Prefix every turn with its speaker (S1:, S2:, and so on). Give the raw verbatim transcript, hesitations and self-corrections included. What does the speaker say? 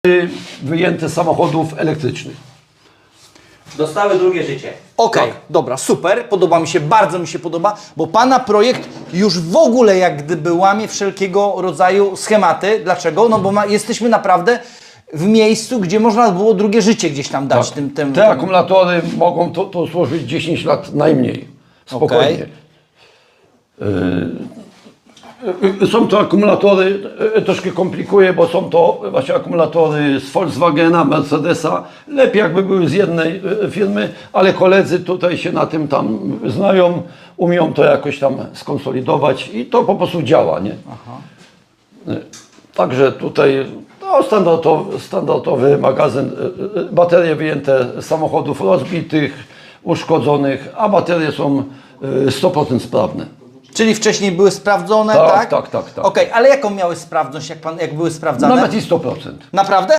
S1: wyjęte z samochodów elektrycznych.
S2: Dostały drugie życie.
S3: Okej, okay, dobra, super, podoba mi się, bardzo mi się podoba, bo Pana projekt już w ogóle jak gdyby łamie wszelkiego rodzaju schematy. Dlaczego? No bo ma, jesteśmy naprawdę w miejscu, gdzie można było drugie życie gdzieś tam dać.
S1: Tak.
S3: Tym, tym,
S1: Te akumulatory mogą to, to służyć dziesięć lat najmniej. Spokojnie. Okay. Są to akumulatory, troszkę komplikuje, bo są to właśnie akumulatory z Volkswagena, Mercedesa. Lepiej jakby były z jednej firmy, ale koledzy tutaj się na tym tam znają, umieją to jakoś tam skonsolidować i to po prostu działa, nie? Aha. Także tutaj no, standardowy, standardowy magazyn, baterie wyjęte z samochodów rozbitych, uszkodzonych, a baterie są sto procent sprawne.
S3: Czyli wcześniej były sprawdzone,
S1: tak?
S3: Tak,
S1: tak, tak. tak.
S3: Okej, okay, ale jaką miały sprawność, jak, pan, jak były sprawdzane?
S1: Nawet i sto procent.
S3: Naprawdę?